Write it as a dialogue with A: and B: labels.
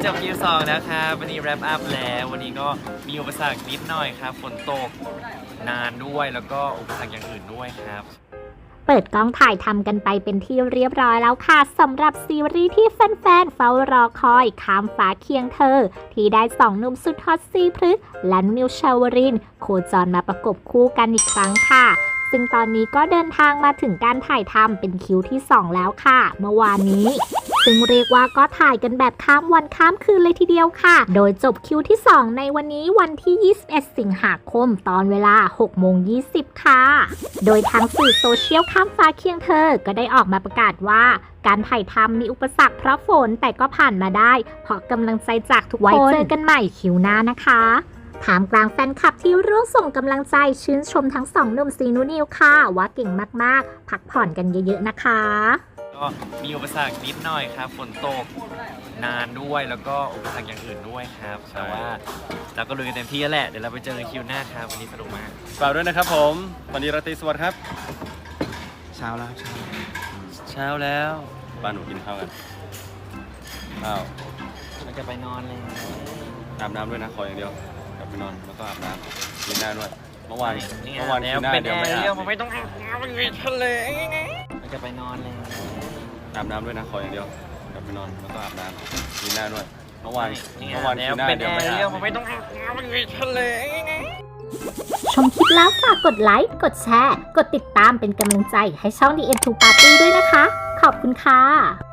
A: จบคิว2แล้วครับวันนี้แรปอัพแล้ววันนี้ก็มีอุปสรรคนิดหน่อยครับฝนตกนานด้วยแล้วก็อุปสรรคอย่างอื่นด้วยครับ
B: เปิดกล้องถ่ายทำกันไปเป็นที่เรียบร้อยแล้วค่ะสำหรับซีรีส์ที่แฟนๆเฝ้ารอคอยข้ามฟ้าเคียงเธอที่ได้สองหนุ่มสุดฮอตซีพฤกษ์และนิวชาวรินทร์โคจรมาประกบคู่กันอีกครั้งค่ะซึ่งตอนนี้ก็เดินทางมาถึงการถ่ายทำเป็นคิวที่2แล้วค่ะเมื่อวานนี้ซึ่งเรียกว่าก็ถ่ายกันแบบข้ามวันข้ามคืนเลยทีเดียวค่ะโดยจบคิวที่2ในวันนี้วันที่21สิงหาคมตอนเวลา 6:20 ค่ะโดยทางสื่อโซเชียลข้ามฟ้าเคียงเธอก็ได้ออกมาประกาศว่าการถ่ายทำมีอุปสรรคเพราะฝนแต่ก็ผ่านมาได้เพราะกำลังใจจากทุกคนไว้เจอกันใหม่คิวหน้านะคะถามกลางแฟนคลับที่ร่วมส่งกำลังใจชื่นชมทั้งสองหนุ่มซีนูนิวค่ะว่าเก่งมากๆพักผ่อนกันเยอะๆนะคะ
A: ก็มีอุปสรรคนิดหน่อยครับฝนตกนานด้วยแล้วก็อุปสรรคอย่างอื่นด้วยครับแต่ว่าเราก็ลุยกันเต็มที่แล้วแหละเดี๋ยวเราไปเจอกันคิวหน้าครับวันนี้สนุกมาก
C: ฝากด้วยนะครับผมวันนี้ราตรีสวัสดิ์ครับ
A: เช้าแล้วเช้าแล้ว
C: บ้านหนูกินข้าวกันข้าว
A: เราจะไปนอนเลย
C: อาบน้ำด้วยนะขออย่างเดียวกลับไปนอนแล้วก็อาบน้ำกินหน้าด้วยเมื่อวาน
A: คิวหน้า
C: เป็นเดียวไม่อาบ
A: ไม่ต้องอาบน้ำมันมีทะเลเราจะไปนอนเลย
C: อาบน้ำด้วยนะขออย่างเดียวกลับไปนอนแล้วก็อาบน้ำกินหน้าด้วยเมื่อวานคิวหน้า
A: เป็น
C: เดียวไม่อาบ
A: ไม่ต้องอาบน้ำมันมีทะเล
B: ชมคลิปแล้วฝากกดไลค์กดแชร์กดติดตามเป็นกำลังใจให้ช่อง The End to Party ด้วยนะคะขอบคุณค่ะ